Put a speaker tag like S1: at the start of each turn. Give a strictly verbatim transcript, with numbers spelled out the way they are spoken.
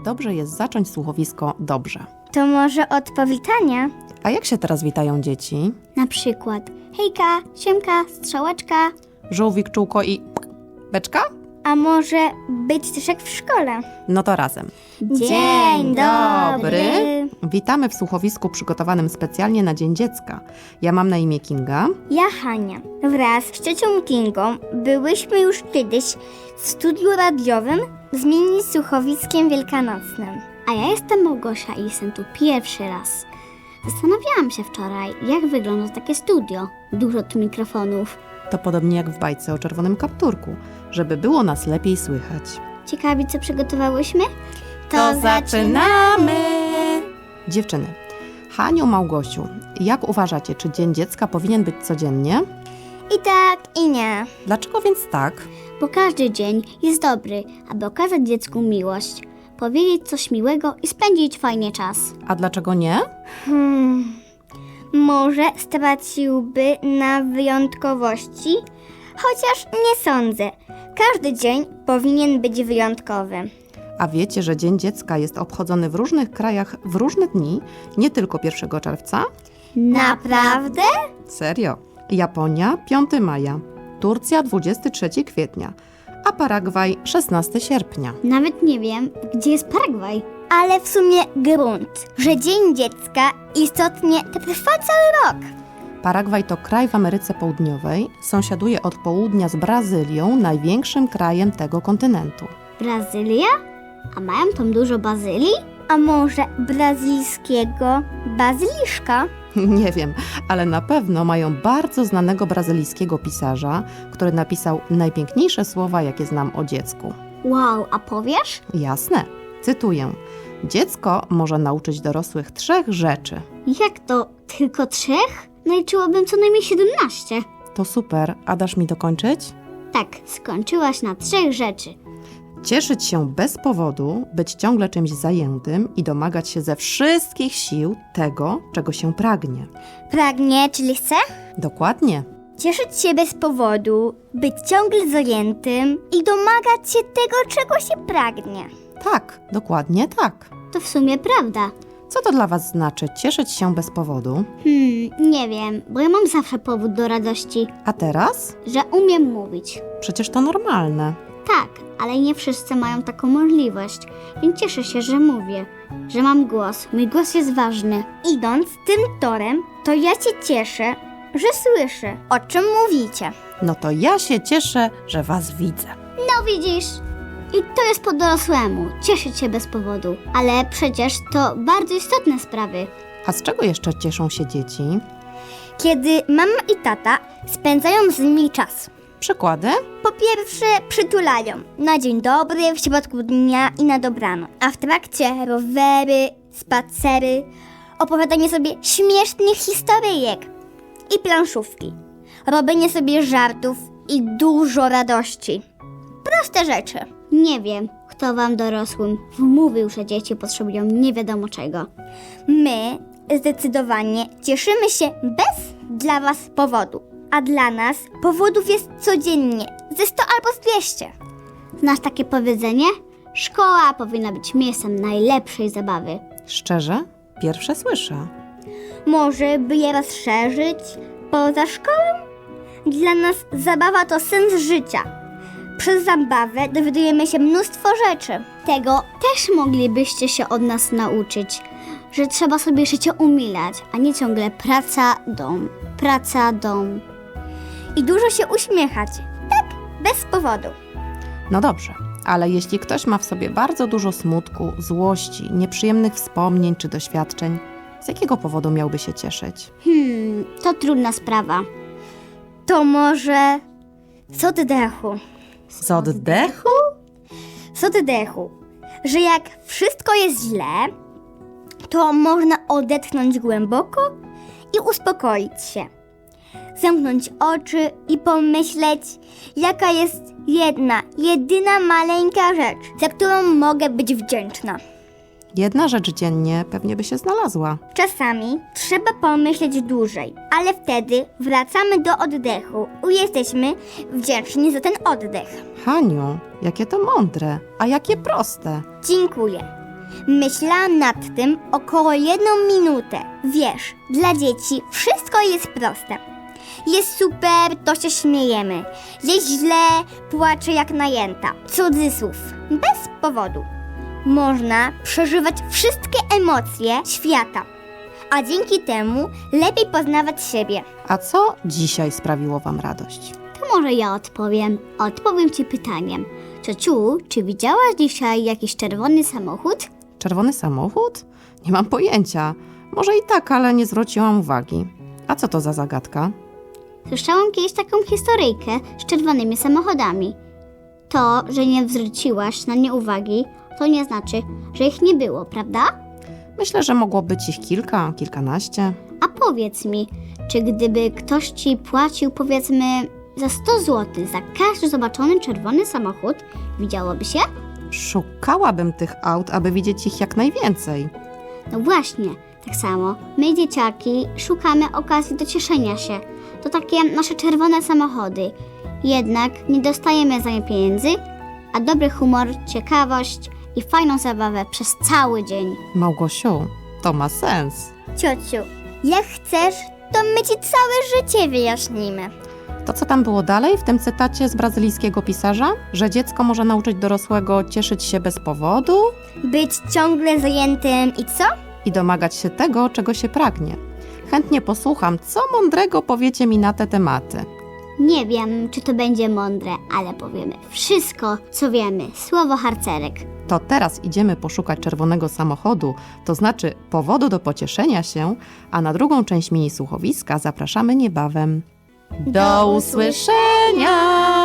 S1: dobrze jest zacząć słuchowisko dobrze.
S2: To może od powitania?
S1: A jak się teraz witają dzieci?
S2: Na przykład hejka, siemka, strzałeczka.
S1: Żółwik, czółko i beczka?
S2: A może być też jak w szkole?
S1: No to razem.
S2: Dzień dobry.
S1: Witamy w słuchowisku przygotowanym specjalnie na Dzień Dziecka. Ja mam na imię Kinga.
S2: Ja Hania. Wraz z ciocią Kingą byłyśmy już kiedyś w studiu radiowym z mini słuchowiskiem wielkanocnym.
S3: A ja jestem Małgosia i jestem tu pierwszy raz. Zastanawiałam się wczoraj, jak wygląda takie studio. Dużo tu mikrofonów.
S1: To podobnie jak w bajce o czerwonym kapturku, żeby było nas lepiej słychać.
S3: Ciekawi, co przygotowałyśmy?
S1: Dziewczyny, Haniu, Małgosiu, jak uważacie, czy Dzień Dziecka powinien być codziennie?
S2: I tak, i nie.
S1: Dlaczego więc tak?
S3: Bo każdy dzień jest dobry, aby okazać dziecku miłość, powiedzieć coś miłego i spędzić fajnie czas.
S1: A dlaczego nie?
S2: Hmm. Może straciłby na wyjątkowości? Chociaż nie sądzę. Każdy dzień powinien być wyjątkowy.
S1: A wiecie, że Dzień Dziecka jest obchodzony w różnych krajach w różne dni, nie tylko pierwszego czerwca?
S2: Naprawdę?
S1: Serio. Japonia piątego maja, Turcja dwudziestego trzeciego kwietnia, a Paragwaj szesnastego sierpnia.
S3: Nawet nie wiem, gdzie jest Paragwaj.
S2: Ale w sumie grunt, że Dzień Dziecka istotnie trwa cały rok.
S1: Paragwaj to kraj w Ameryce Południowej, sąsiaduje od południa z Brazylią, największym krajem tego kontynentu.
S3: Brazylia? A mają tam dużo bazylii?
S2: A może brazylijskiego bazyliszka?
S1: Nie wiem, ale na pewno mają bardzo znanego brazylijskiego pisarza, który napisał najpiękniejsze słowa, jakie znam o dziecku.
S3: Wow, a powiesz?
S1: Jasne, cytuję. Dziecko może nauczyć dorosłych trzech rzeczy.
S3: Jak to? Tylko trzech? Naliczyłabym co najmniej siedemnaście.
S1: To super, a dasz mi dokończyć?
S3: Tak, skończyłaś na trzech rzeczy.
S1: Cieszyć się bez powodu, być ciągle czymś zajętym i domagać się ze wszystkich sił tego, czego się pragnie.
S2: Pragnie, czyli chce?
S1: Dokładnie.
S2: Cieszyć się bez powodu, być ciągle zajętym i domagać się tego, czego się pragnie.
S1: Tak, dokładnie tak.
S3: To w sumie prawda.
S1: Co to dla was znaczy cieszyć się bez powodu?
S3: Hmm, nie wiem, bo ja mam zawsze powód do radości,
S1: A teraz?
S3: że umiem mówić.
S1: Przecież to normalne.
S3: Tak, ale nie wszyscy mają taką możliwość, więc cieszę się, że mówię, że mam głos. Mój głos jest ważny.
S2: Idąc tym torem, to ja się cieszę, że słyszę, o czym mówicie.
S1: No to ja się cieszę, że was widzę.
S3: No widzisz? I to jest po dorosłemu, cieszyć się bez powodu. Ale przecież to bardzo istotne sprawy.
S1: A z czego jeszcze cieszą się dzieci?
S2: Kiedy mama i tata spędzają z nimi czas.
S1: Przykłady?
S2: Po pierwsze przytulają na dzień dobry, w środku dnia i na dobranoc. A w trakcie rowery, spacery, opowiadanie sobie śmiesznych historyjek i planszówki. Robienie sobie żartów i dużo radości. Proste rzeczy.
S3: Nie wiem, kto wam dorosłym wmówił, że dzieci potrzebują nie wiadomo czego.
S2: My zdecydowanie cieszymy się bez dla was powodu. A dla nas powodów jest codziennie ze sto albo z dwieście.
S3: Znasz takie powiedzenie? Szkoła powinna być miejscem najlepszej zabawy.
S1: Szczerze? Pierwsze słyszę.
S2: Może by je rozszerzyć poza szkołą? Dla nas zabawa to sens życia. Przez zabawę dowiadujemy się mnóstwo rzeczy.
S3: Tego też moglibyście się od nas nauczyć, że trzeba sobie życie umilać, a nie ciągle praca, dom, praca, dom.
S2: I dużo się uśmiechać. Tak, bez powodu.
S1: No dobrze, ale jeśli ktoś ma w sobie bardzo dużo smutku, złości, nieprzyjemnych wspomnień czy doświadczeń, z jakiego powodu miałby się cieszyć?
S3: Hmm, to trudna sprawa.
S2: To może z oddechu.
S1: Z oddechu?
S2: Z oddechu. Że jak wszystko jest źle, to można odetchnąć głęboko i uspokoić się. Zamknąć oczy i pomyśleć, jaka jest jedna, jedyna maleńka rzecz, za którą mogę być wdzięczna.
S1: Jedna rzecz dziennie pewnie by się znalazła.
S2: Czasami trzeba pomyśleć dłużej, ale wtedy wracamy do oddechu i jesteśmy wdzięczni za ten oddech.
S1: Haniu, jakie to mądre, a jakie proste.
S2: Dziękuję. Myślałam nad tym około jedną minutę. Wiesz, dla dzieci wszystko jest proste. Jest super, to się śmiejemy. Jest źle, płacze jak najęta. Cudzysłów. Bez powodu. Można przeżywać wszystkie emocje świata, a dzięki temu lepiej poznawać siebie.
S1: A co dzisiaj sprawiło wam radość?
S3: To może ja odpowiem. Odpowiem ci pytaniem. Ciociu, czy widziałaś dzisiaj jakiś czerwony samochód?
S1: Czerwony samochód? Nie mam pojęcia. Może i tak, ale nie zwróciłam uwagi. A co to za zagadka?
S3: Słyszałam kiedyś taką historyjkę z czerwonymi samochodami. To, że nie zwróciłaś na nie uwagi, to nie znaczy, że ich nie było, prawda?
S1: Myślę, że mogło być ich kilka, kilkanaście.
S3: A powiedz mi, czy gdyby ktoś ci płacił powiedzmy za sto złotych za każdy zobaczony czerwony samochód, widziałoby się?
S1: Szukałabym tych aut, aby widzieć ich jak najwięcej.
S3: No właśnie, tak samo. My, dzieciaki, szukamy okazji do cieszenia się. To takie nasze czerwone samochody. Jednak nie dostajemy za nie pieniędzy, a dobry humor, ciekawość i fajną zabawę przez cały dzień.
S1: Małgosiu, to ma sens.
S2: Ciociu, jak chcesz, to my ci całe życie wyjaśnimy.
S1: To co tam było dalej w tym cytacie z brazylijskiego pisarza? Że dziecko może nauczyć dorosłego cieszyć się bez powodu
S2: Być ciągle zajętym i co?
S1: i domagać się tego, czego się pragnie. Chętnie posłucham, co mądrego powiecie mi na te tematy.
S3: Nie wiem, czy to będzie mądre, ale powiemy wszystko, co wiemy. Słowo harcerek.
S1: To teraz idziemy poszukać czerwonego samochodu, to znaczy powodu do pocieszenia się, a na drugą część mini słuchowiska zapraszamy niebawem. Do usłyszenia!